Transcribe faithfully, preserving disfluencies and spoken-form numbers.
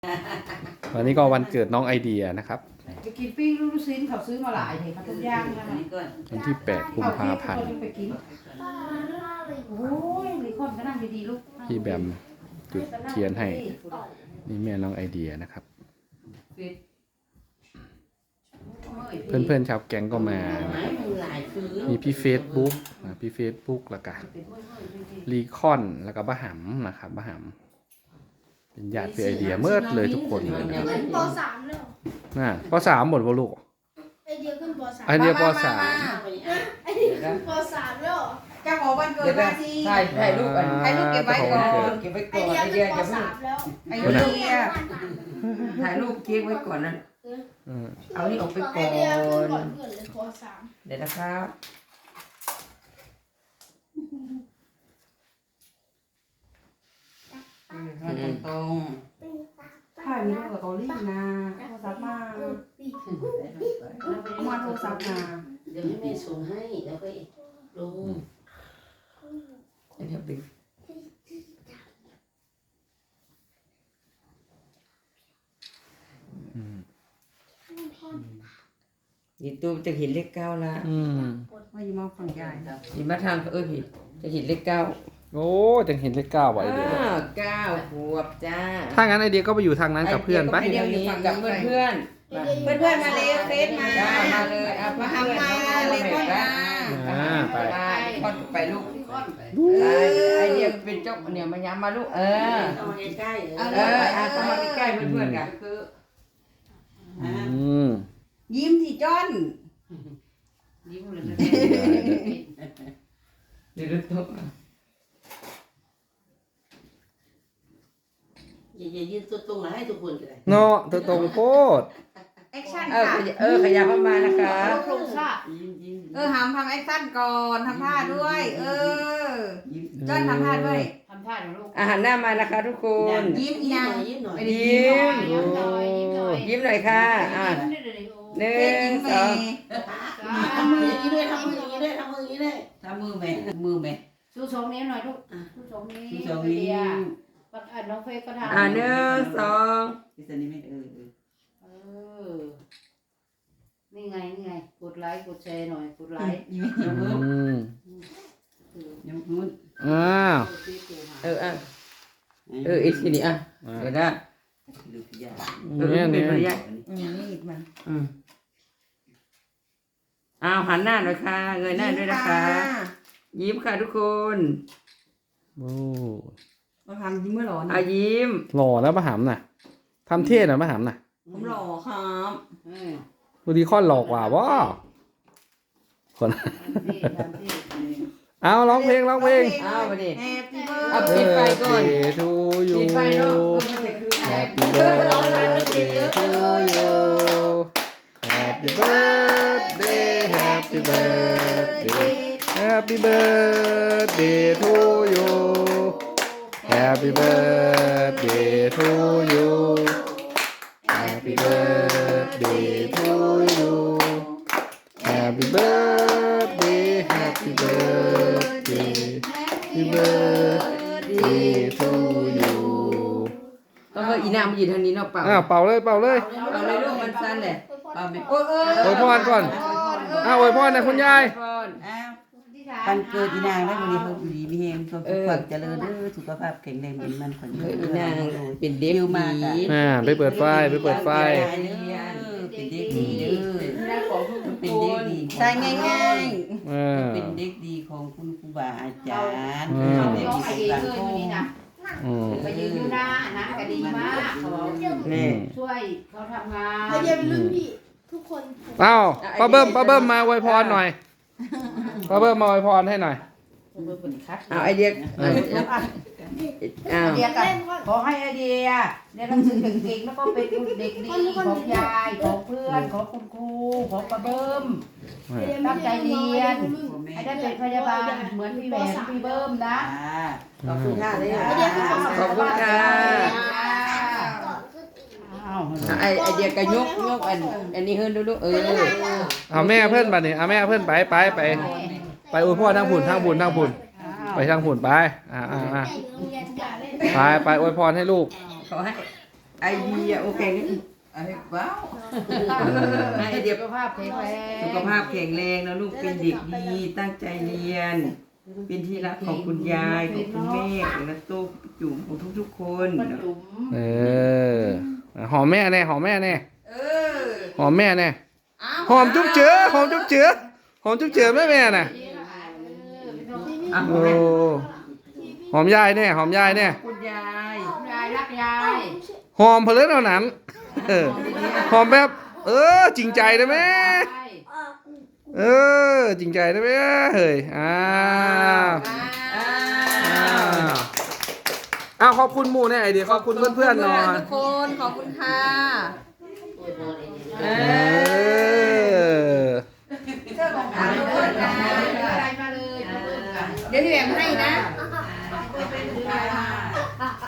วันนี้ก็วันเกิดน้องไอเดียนะครับไปกินปิ้งลูกชิ้นเขาซื้อมาหลายเลยเขาต้มย่างนะวันที่แปดกุมภาพันธ์ไปกินโอ้ยมีคนก็นั่งดีๆลูกพี่แบมจุดเทียนให้นี่แม่น้องไอเดียนะครับเพื่อนๆชาวแก๊งก็มามีพี่เฟซบุ๊กนะพี่เฟซบุ๊กแล้วก็รีคอนแล้วก็บ้าหำนะครับบ้าหำเป็นญาติพี่ไอเดียเมื่อเลยทุกคนเลยนะครับปสามเลยน่ะปสามหมดวะลูกไอเดียขึ้นปสามไอเดียปสามไอเดียขึ้นปสามแล้วจะขอวันเกิดมาทีถ่ายถ่ายรูปกันถ่ายรูปเก็บไว้ก่อนเก็บไว้ไอก่อนเดียไอขึ้เดียนปจะพูดสามแล้วไอเดียถ่ายรูปเค้กไว้ก่อนนะเอานี่ออกไปไอก่อเดียขึ้นก่อนนเกิดเลยปสามเดี๋ยวนะครับตรงถ่ายมีรูปกับเกาหลีนะโทรศัพท์มาเอามาโทรศัพท์มาเดี๋ยวให้แม่ส่งให้แล้วก็ลงเดี๋ยวดึงยีตูจะเห็นเลขเก้าละอืมว่าอยู่มาฝั่งใหญ่ยีมาทางเออผิดจะเห็นเลขเก้าโอ้จังเห็นเลขเก้าไว้เดียวเก้าขวบจ้าถ้างั้นไอเดียก็ไปอยู่ทางนั้นกับเพื่อนไปไอเดียนี้กับเพื่อนเพื่อนเพื่อนๆมาเลยเฟซมามาเลยเอามาทำมาเลยพ่อมาอ่าไปไปพ่อไปลูกไอเดียเป็นเจ้าเนี่ยมาย้ำมาลูกเออต้องมาใกล้ๆเอออาต้องมาใกล้เพื่อนๆกันคืออืมยิ้มที่จ้อนยิ้มเลยเดี๋ยวตุ๊กอย่าอย่ายืนตัวตรงนะให้ทุกคนเลยเนาะตัวตรงโคตรแอคชั่นเออค่ะเออขยับเข้ามานะคะโครงสร้างยิ้มยิ้มเออหามทำแอคชั่นก่อนทำท่าด้วย เออจ้อนทำท่าด้วยทำท่าหน่อยลูกอาหารหน้ามานะคะทุกคนยิ้มอีนางยิ้มหน่อยไม่ได้ยิ้มยิ้มยิ้มหน่อยยิ้มหน่อยยิ้มหน่อยค่ะอ่ะหนึ่เต้นงยิ้มสเมองย์ทำมืออย่างนี้ด้วยทำมืออย่างนี้ด้วยทำมืออย่างนี้ด้วยทำมือไหมมือไหมชูสองนิ้วหน่อยลูกชูสองนิ้วที่สองนี้ปัดอ่านน้องเฟยก็ทำอ่ะหนึ่งสองที่สันนี่ไม่เออเออเออนี่ไงนี่ไงกดไลค์กดแชร์หน่อยกดไลค์ยิ้มยิ้มอืมยิ้มนู้นอ้าวเอออ่ะเอออีกทีนี้อ่ะเดี๋ยวนะดูพิยาเออเนี่ยเป็เนี่นยระยะนี่มันอืมอ้าวหันหน้าหน่อยค่ะเงยหน้าด้วยนะคะ ยิ้มค่ะทุกคนโอ้มาทำยิ้มเมื่อหรออ่ะยิ้มหล่อแล้วมาหำน่ะทำเท่หน่อยมาหำน่ะผมหล่อครับดูดีคอนหลอกกว่าว้าคน เอาร้องเพลงร้องเพลงอ้าวมาดิแฮปปี้เอาเบิปิร์ดไฟก่อนทูยูปิดไฟเนาะ Happy birthday to you Happy birthday Happy birthday Happy birthday to you Happy birthday to you Happy birthday to you Happy birthday Happy birthday Happy birthday to you ก็คืออีนางมายืนทางนี้เนาะเปล่าอ่าเป่าเลยเป่าเลยเอาเลยลูกมันสั้นเลยเปล่าไหมโอ้ยเอออวยพรก่อนอ้าวอวยพรนะคุณยายพรอ้าววันเกิดอีนางได้วันนี้เขาอยู่ดีมีเฮงความสุขความเจริญเด้อสุขภาพแข็งแรงเป็นมันขวัญเอยือน อีนางเป็นเด็กคิวมากดีอ่ะอ่าไปเปิดไฟไปเปิดไฟเป็นเด็กดีเด้ออีนางของทุกเป็นคเด็กนดีใช่ง่ายเออเป็นเด็กดีของคุณครูบาอาจารย์อืมเป็นเด็กน้องดีไอของเดียสังเคยคอยู่มนี่นะอืมไปยืนอยู่หน้านะก็ดีมากเขาบอกนี่ช่วยเขาทำงานไอเดียเป็นรุ่นพี่ทุกคนเอ้าป้าเบิ้มป้าเบิ้มมาอวยพรหน่อยป้าเบิ้มมาอวยพรให้หน่อยเบอร์เป็นคัดเอาไอเดียเอาอ้าวๆเดียกันขอให้ไอเดียเรียนหนังสือเก่งๆแล้วก็เป็นเด็กดีของยายของเพื่อนของคุณครูของป้าเบิ้มตั้งใจเรียนให้ได้เป็นพยาบาลเหมือนพี่แหวนพี่เบิ้มนะอ่าขอบคุณค่ะเลยขอบคุณค่ะอ้าวไอไอเดียก็ยกยกอันอันนี้เฮิรนดูดูเออเอาแม่เพื่อนบัดนี้เอาแม่เพื่อนไปไปไปไปอวยพรทางผุนทางผุนทางผุนไปทางผุนไปอ่าอ่าอ่าไปไปอวยพรให้ลูกขอให้ไอเดียโอเคนี่ไอ้ว้าวไอเดียสุขภาพแข็งแรงสุขภาพแข็งแรงนะลูกเป็นเด็กดีตั้งใจเรียน เป็นที่รักของคุณยายของคุณแม่ของนักตุ๊กจุ๋มของทุกๆคนป้าจุ๋มเออหอมแม่แน่หอมแม่แน่เออหอมแม่แน่อ้าวหอมจุ๊บเจือหอมจุ๊บเจือหอมจุ๊บเจือแม่แม่น่ะอ่ะโอ้หอมยายแน่หอมยายแน่คุณยายยายรักยายหอมเพลินเอาหนันเออหอมแบบ เออ จริงใจนะแม่เออ จริงใจนะแม่เฮ้ยอ้าวอ้าอ้าว วอ้าวขอบคุณหมู่แน่ไอเดียขอบคุณเพื่อนๆหน่อยทุกคนขอบคุณค่ะเออเสื้อของขวัญทุกคนนะอะไรมาเลยเดี๋ยวพี่แหม่มให้นะ